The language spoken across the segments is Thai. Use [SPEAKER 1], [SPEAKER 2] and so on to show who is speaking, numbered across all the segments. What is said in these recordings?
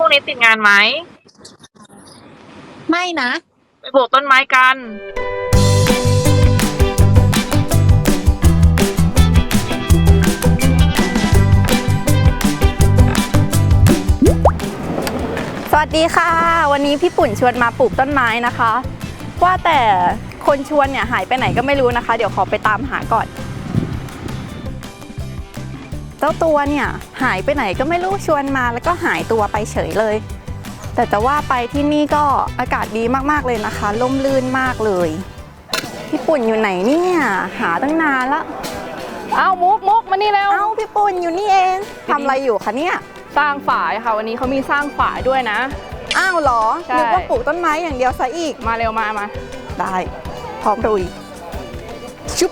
[SPEAKER 1] กนี้ติดงานไหม
[SPEAKER 2] ไม่นะ
[SPEAKER 1] ไปปลูกต้นไม้กัน
[SPEAKER 2] สวัสดีค่ะวันนี้พี่ปุ่นชวนมาปลูกต้นไม้นะคะว่าแต่คนชวนเนี่ยหายไปไหนก็ไม่รู้นะคะเดี๋ยวขอไปตามหาก่อนเจ้าตัวเนี่ยหายไปไหนก็ไม่รู้ชวนมาแล้วก็หายตัวไปเฉยเลยแต่จะว่าไปที่นี่ก็อากาศดีมากๆเลยนะคะร่มรื่นมากเลยพี่ปุ่นอยู่ไหนเนี่ยหาตั้งนานละ
[SPEAKER 3] เอามุกมานี่แล้ว
[SPEAKER 2] เอ้าพี่ปุ่นอยู่นี่เองทำอะไรอยู่คะเนี่ย
[SPEAKER 3] สร้างฝายค่ะวันนี้เขามีสร้างฝายด้วยนะ
[SPEAKER 2] อ้าวเหรอ
[SPEAKER 3] ใช่
[SPEAKER 2] นึกว่าปลูกต้นไม้อย่างเดียวซะอีก
[SPEAKER 3] มาเร็วมา
[SPEAKER 2] ได้พร้อมลุยชุบ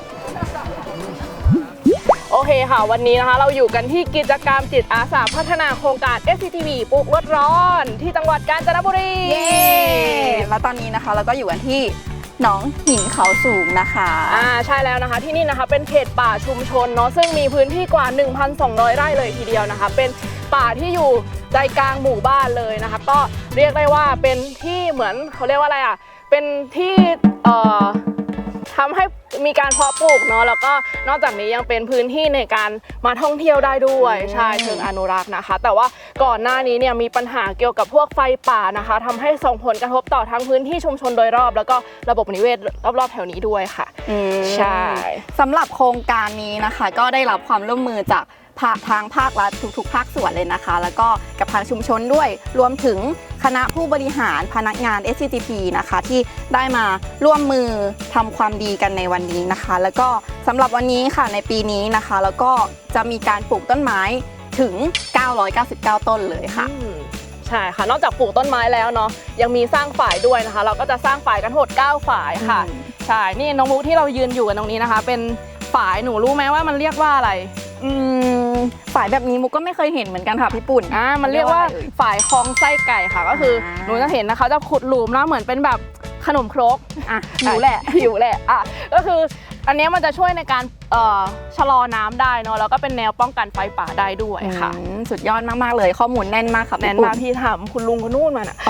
[SPEAKER 3] โอเคค่ะวันนี้นะคะเราอยู่กันที่กิจกรรมจิตอาสาพัฒนาโครงการ SCTV ปลูกลดร้อนที่จังหวัดกาญจนบุรี
[SPEAKER 2] เย้แล้วตอนนี้นะคะเราก็อยู่กันที่หนองหินเขาสูงนะคะ
[SPEAKER 3] ใช่แล้วนะคะที่นี่นะคะเป็นเขตป่าชุมชนเนาะซึ่งมีพื้นที่กว่า 1,200 ไร่เลยทีเดียวนะคะเป็นป่าที่อยู่ใจกลางหมู่บ้านเลยนะคะก็เรียกได้ว่าเป็นที่เหมือนเขาเรียกว่าอะไรอ่ะเป็นที่ทำให้มีการเพาะปลูกเนาะแล้วก็นอกจากนี้ยังเป็นพื้นที่ในการมาท่องเที่ยวได้ด้วยใช่เชิงอนุรักษ์นะคะแต่ว่าก่อนหน้านี้เนี่ยมีปัญหาเกี่ยวกับพวกไฟป่านะคะทำให้ส่งผลกระทบต่อทั้งพื้นที่ชุมชนโดยรอบแล้วก็ระบบนิเวศรอบๆแถวนี้ด้วยค่ะใช่
[SPEAKER 2] สำหรับโครงการนี้นะคะก็ได้รับความร่วมมือจากทางภาครัฐทุกๆภาคส่วนเลยนะคะแล้วก็กับทางชุมชนด้วยรวมถึงคณะผู้บริหารพนักงาน SCTP นะคะที่ได้มาร่วมมือทำความดีกันในวันนี้นะคะแล้วก็สำหรับวันนี้ค่ะในปีนี้นะคะแล้วก็จะมีการปลูกต้นไม้ถึง999ต้นเลยค่ะ
[SPEAKER 3] ใช่ค่ะนอกจากปลูกต้นไม้แล้วเนาะยังมีสร้างฝ่ายด้วยนะคะเราก็จะสร้างฝ่ายกันทั้งหมด9ฝ่ายค่ะใช่นี่น้องมุกที่เรายืนอยู่กันตรงนี้นะคะเป็นฝ่ายหนูรู้ไหมว่ามันเรียกว่าอะไร
[SPEAKER 2] ฝ่ายแบบนี้มุกก็ไม่เคยเห็นเหมือนกันค่ะพี่ปุ่น
[SPEAKER 3] มันเรียกว่าฝ่ายคลองไส้ไก่ค่ะก็คือหนูจะเห็นนะคะจะขุดหลุมแล้วเหมือนเป็นแบบขนมครก
[SPEAKER 2] อยู่แหละ
[SPEAKER 3] ก็คืออันนี้มันจะช่วยในการชะลอน้ำได้เนาะแล้วก็เป็นแนวป้องกันไฟป่าได้ด้วยค่ะ
[SPEAKER 2] สุดยอดมากๆเลยข้อมูลแน่นมากค่ะ
[SPEAKER 3] แน่นมากพี่ถามคุณลุงคนนู่นมาน่ะ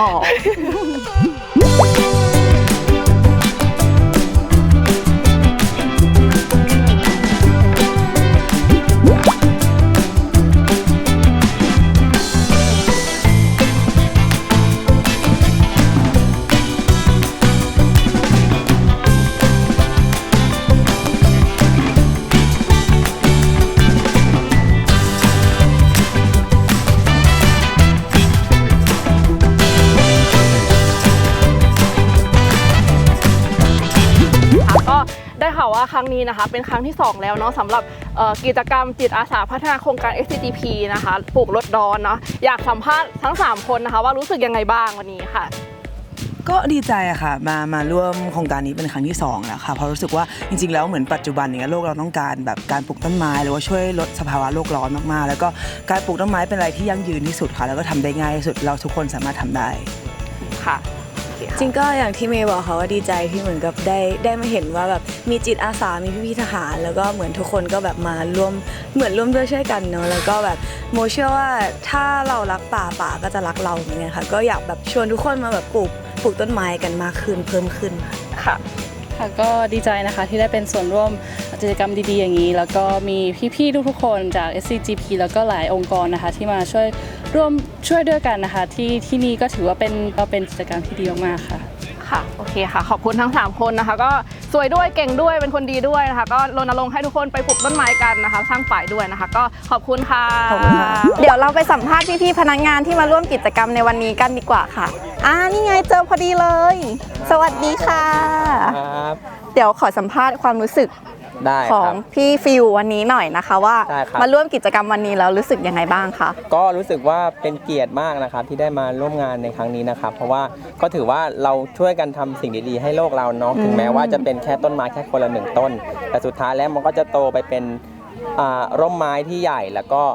[SPEAKER 3] ได้ข่าวว่าครั้งนี้นะคะเป็นครั้งที่2แล้วเนาะสำหรับกิจกรรมจิตอาสาพัฒนาโครงการ SCTP นะคะปลูกลดร้อนเนาะอยากสัมภาษณ์ทั้ง3คนนะคะว่ารู้สึกยังไงบ้างวันนี้ค่ะ
[SPEAKER 4] ก็ดีใจอะค่ะมาร่วมโครงการนี้เป็นครั้งที่2แล้วค่ะเพราะรู้สึกว่าจริงๆแล้วเหมือนปัจจุบันเนี่ยโลกเราต้องการแบบการปลูกต้นไม้หรือว่าช่วยลดสภาวะโลกร้อนมากๆแล้วก็การปลูกต้นไม้เป็นอะไรที่ยั่งยืนที่สุดค่ะแล้วก็ทำได้ง่ายที่สุดเราทุกคนสามารถทำได้
[SPEAKER 3] ค่ะ
[SPEAKER 5] จริงก็อย่างที่เมย์บอกค่ะว่าดีใจที่เหมือนกับได้มาเห็นว่าแบบมีจิตอาสามีพี่ๆทหารแล้วก็เหมือนทุกคนก็แบบมาร่วมด้วยช่วยกันเนาะแล้วก็แบบโมเชื่อว่าถ้าเรารักป่าก็จะรักเราเหมือนกันค่ะก็อยากแบบชวนทุกคนมาแบบปลูกต้นไม้กันมากขึ้นเพิ่มขึ้น
[SPEAKER 3] ค่ะ
[SPEAKER 6] ก็ดีใจนะคะที่ได้เป็นส่วนร่วมกิจกรรมดีๆอย่างนี้แล้วก็มีพี่ๆทุกๆคนจาก SCTP แล้วก็หลายองค์กรนะคะที่มาช่วยด้วยกันนะคะที่นี่ก็ถือว่าเป็นกิจกรรมที่ดีมากๆค่ะ
[SPEAKER 3] ค่ะโอเคค่ะขอบคุณทั้ง3คนนะคะก็สวยด้วยเก่งด้วยเป็นคนดีด้วยนะคะก็รณรงค์ให้ทุกคนไปปลูกต้นไม้กันนะคะสร้างฝ่ายด้วยนะคะก็ขอบคุณค่ะ
[SPEAKER 2] เดี๋ยวเราไปสัมภาษณ์พี่ๆพนักงานที่มาร่วมกิจกรรมในวันนี้กันดีกว่าค่ะนี่ไงเจอพอดีเลยสวัสดีค่ะเดี๋ยวขอสัมภาษณ์ความรู้สึกของพี่ฟิววันนี้หน่อยนะคะว่ามาร่วมกิจกรรมวันนี้แล้วรู้สึกยังไงบ้างคะ
[SPEAKER 7] ก็รู้สึกว่าเป็นเกียรติมากนะครับที่ได้มาร่วมงานในครั้งนี้นะครับเพราะว่าก็ถือว่าเราช่วยกันทำสิ่งดีๆให้โลกเราเนาะถึงแม้ว่าจะเป็นแค่ต้นไม้แค่คนละ1 ต้นแต่สุดท้ายแล้วมันก็จะโตไปเป็นร่มไม้ที่ใหญ่แล้วก็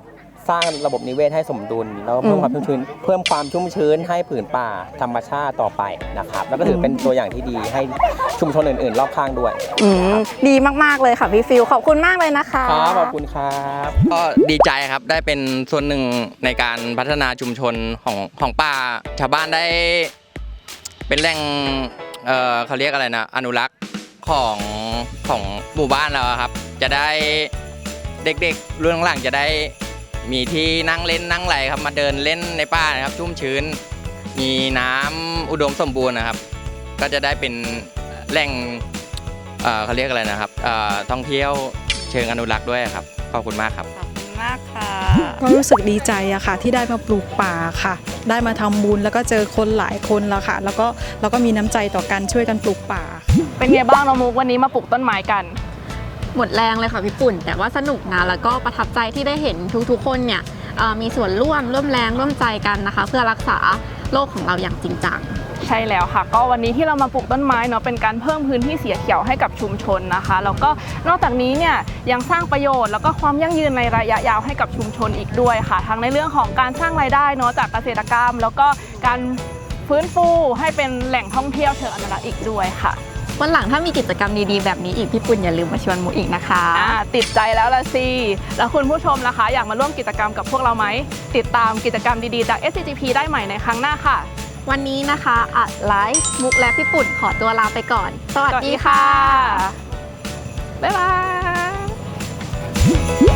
[SPEAKER 7] สร้างระบบนิเวศให้สมดุลแล้วเพิ่มความชุ่มชื้นให้ผืนป่าธรรมชาติต่อไปนะครับแล้วก็ถือเป็นตัวอย่างที่ดีให้ชุมชนอื่นๆ รอบข้างด้วย
[SPEAKER 2] ดีมากๆเลยค่ะพี่ฟิลขอบคุณมากเลยนะคะ
[SPEAKER 7] ครับขอบคุณครับ
[SPEAKER 1] ก็ดีใจครับได้เป็นส่วนหนึ่งในการพัฒนาชุมชนของป่าชาวบ้านได้เป็นแหล่งเขาเรียกอะไรนะอนุรักษ์ของหมู่บ้านเราครับจะได้เด็กๆรุ่นหลังจะได้มีที่นั่งเล่นนั่งไหลครับมาเดินเล่นในป่านะครับชุ่มชื้นมีน้ำอุดมสมบูรณ์นะครับก็จะได้เป็นแหล่งเขาเรียกอะไรนะครับท่องเที่ยวเชิงอนุรักษ์ด้วยครับขอบคุณมากครับ
[SPEAKER 2] ขอบคุณมากค่ะ
[SPEAKER 8] ก็รู้สึกดีใจอะค่ะที่ได้มาปลูกป่าค่ะ ได้มาทำบุญแล้วก็เจอคนหลายคนแล้วค่ะ แล้วก็มีน้ำใจต่อกันช่วยกันปลูกป่า
[SPEAKER 3] เป็นไงบ้างน้องมุกวันนี้มาปลูกต้นไม้กัน
[SPEAKER 2] หมดแรงเลยค่ะพี่ปุ่นแต่ว่าสนุกนะแล้วก็ประทับใจที่ได้เห็นทุกๆคนเนี่ยมีส่วนร่วมแรงร่วมใจกันนะคะ เพื่อรักษาโลกของเราอย่างจริงจัง
[SPEAKER 3] ใช่แล้วค่ะก็วันนี้ที่เรามาปลูกต้นไม้เนาะเป็นการเพิ่มพื้นที่สีเขียวให้กับชุมชนนะคะแล้วก็นอกจากนี้เนี่ยยังสร้างประโยชน์แล้วก็ความยั่งยืนในระยะยาวให้กับชุมชนอีกด้วยค่ะทั้งในเรื่องของการสร้างรายได้เนาะจากเกษตรกรรม แล้วก็การฟื้นฟูให้เป็นแหล่งท่องเที่ยวเชิงอนุรักษ์อีกด้วยค่ะ
[SPEAKER 2] วันหลังถ้ามีกิจกรรมดีๆแบบนี้อีกพี่ปุ่นอย่าลืมมาชวนมุกอีกนะคะ
[SPEAKER 3] ติดใจแล้วละสิแล้วคุณผู้ชมล่ะคะอยากมาร่วมกิจกรรมกับพวกเราไหมติดตามกิจกรรมดีๆจาก SCGP ได้ใหม่ในครั้งหน้าค่ะ
[SPEAKER 2] วันนี้นะคะอัดไลฟ์มุกและพี่ปุ่นขอตัวลาไปก่อน สวัสดีค่ะ
[SPEAKER 3] บ๊ายบาย